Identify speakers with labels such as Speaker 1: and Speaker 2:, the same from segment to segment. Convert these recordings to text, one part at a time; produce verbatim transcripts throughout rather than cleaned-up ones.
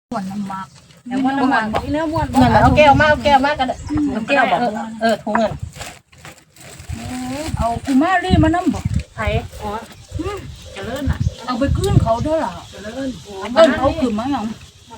Speaker 1: ม้วนน้ำหมัก
Speaker 2: แต่ว่าน้ำมันเนื้อม้วน
Speaker 3: เงินเอาแก้วมาเอาแก้วมากันเอาแก้วบอกเออถุงเงิน
Speaker 1: เอากูแม่รีมาน้ำบอก
Speaker 3: ไผ่อ๋อ
Speaker 2: เจริญน่ะ
Speaker 1: เอาไปคืนเขาเท่าไหร่
Speaker 2: เจริญ
Speaker 1: เอิ้นเขาคือมาหยัง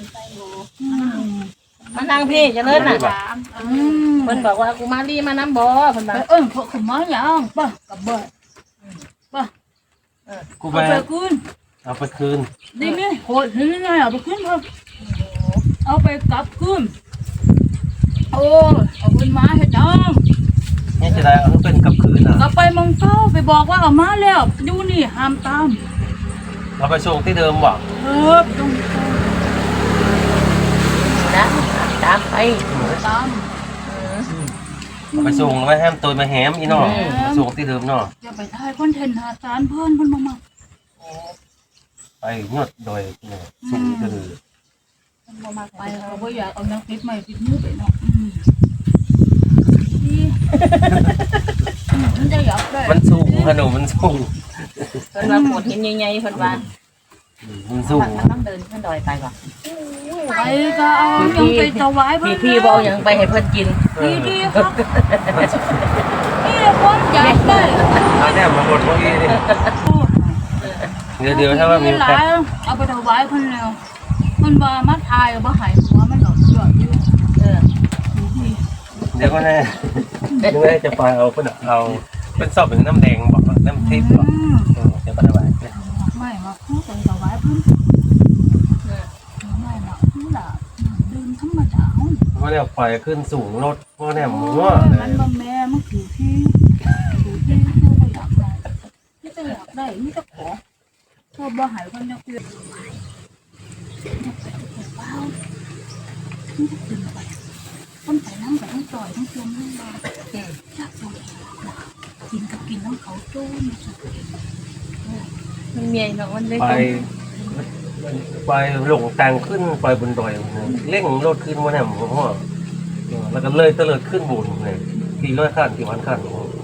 Speaker 3: มานั่งพี่จะเลิศน่ะ
Speaker 1: อืม
Speaker 3: เพิ่นบอกว่ากูมารีมาน้ำบ่เพิ่น
Speaker 1: ไป
Speaker 3: ว่า
Speaker 1: เอิ้นเขาคือมาหยังป่ะกับเบิดป่ะ
Speaker 4: กู
Speaker 1: เอา
Speaker 4: ไป
Speaker 1: ไปคืน
Speaker 4: เอาไปคืน
Speaker 1: ดีนี่โหดนี่ไงเอาไปคืนเพิ่มเอาไปกลับคืนโอ้เอาคืนมาให้จัง
Speaker 4: นี่จะได้เอาเป็นกับคืนอ่ะ
Speaker 1: กลับไปเมึงเก้าไปบอกว่าเอามาแล้วอยู่นี่ห้ามตาม
Speaker 4: เอาไปส่งที่เดิมบ่
Speaker 1: เออต้อง
Speaker 3: นะตามไป
Speaker 1: ตาม
Speaker 4: เอาไปส่งแล้วไม่ห้ามตัวมาแหมอีน้อไปส่งที่เดิมเนาะ
Speaker 1: อย่าไปถ่ายคอนเทนต์หาสารเพิ่นเพิ่นมามา
Speaker 4: ไปยอดโดยเนี่ยส่งก็คือ
Speaker 1: ไปเขาบ่อยากเอานังปิดใหม่ปิดมือไปเนาะอืมนี่มันจะอยากได้
Speaker 4: มันสูงขนมมันสูง
Speaker 3: เพิ่นว่าปวดหินใหญ่ๆเพิ่นว่า
Speaker 4: มันสูง
Speaker 3: มันต้องเดินขึ้นดอยไปว่ะ
Speaker 1: ไปก็เอายังไปถวายเพิ่
Speaker 3: พี่
Speaker 1: น
Speaker 3: พี่บ่เอาหยังไปให้เพิ่นกิน
Speaker 1: ดีดีครับนี่แหละความอยากได้
Speaker 4: อันนี้มาหมดเมื่อกี้นี่เดี๋ยวเดี๋ยวถ้าว่ามี
Speaker 1: หลา
Speaker 4: แป๊บ
Speaker 1: ยเอาไปถวายเพิ่นแล้วเพิ่นว่ามาถ่ายบ่ให้หัวมันหรอกยอดอยู่
Speaker 3: เออ
Speaker 4: เดี๋ยวก็แน่ยังไงจะไปเอาเป็นเอาเป็นสอบเป็นน้ำแดงบอกน้ำทิพย์บอก
Speaker 1: อืม
Speaker 4: เออเดี๋ยวก็ได้ไป
Speaker 1: ไม่มาพูดไปถวายเพิ่นไม่มาพูดล่ะดื่มธรรมดา
Speaker 4: เพราะเนี่ยปล่อยขึ้นสูงรถเพราะเนี่ยหมูเล
Speaker 1: มัน
Speaker 4: ย
Speaker 1: บ่แม่มันคือที่คือที่เธอบ่อยากได้ไม่จะอยากได้ไม่จะขอเธอบ่ใหายคนจะเกลียดเปล่าไม่จะกินไปคนไปนั่งกับทั้งต่อยทั้งชมทั้งบาอยากดูกินกับกินทั้งเขาโจ้ไม่สุด
Speaker 3: มันเมียเนาะมันเลย
Speaker 4: ไปไปหลงทางขึ้นไปบนดอยเร่งรถขึ้นมาเนี่ยผมว่าแล้วก็เลยเตลิดขึ้นบุญเนี่ยกี่ร้อยขั้นกี่พันขั้น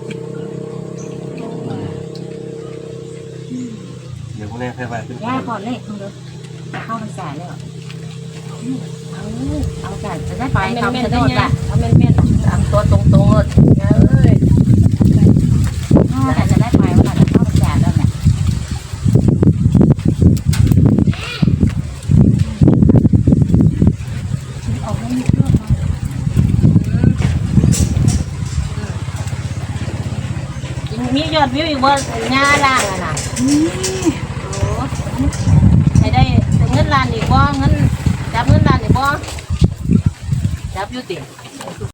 Speaker 4: เดี๋ยวพวกนี้ค่อยไปขึ้น
Speaker 3: ย่าก่อนเลขมึงเด้อเข้าพรรษาแล้วเอาเอากันจะได้ไปคำชะโนดล่ะเอาแม่นๆตามตัวตรงๆเลยเอ้ยแต่จะได้ไปว่าจะเข้าพรรษาแล้วเนี่ย
Speaker 1: เอาไม่มีเครื่องมา
Speaker 3: มียอดวิวอีกว่าหน้าล่างอะนะ
Speaker 1: นี่
Speaker 3: ให้ได้เงินล้านอีกบ่เงินจับเงินล้านอีกบ่จับอยู่ติ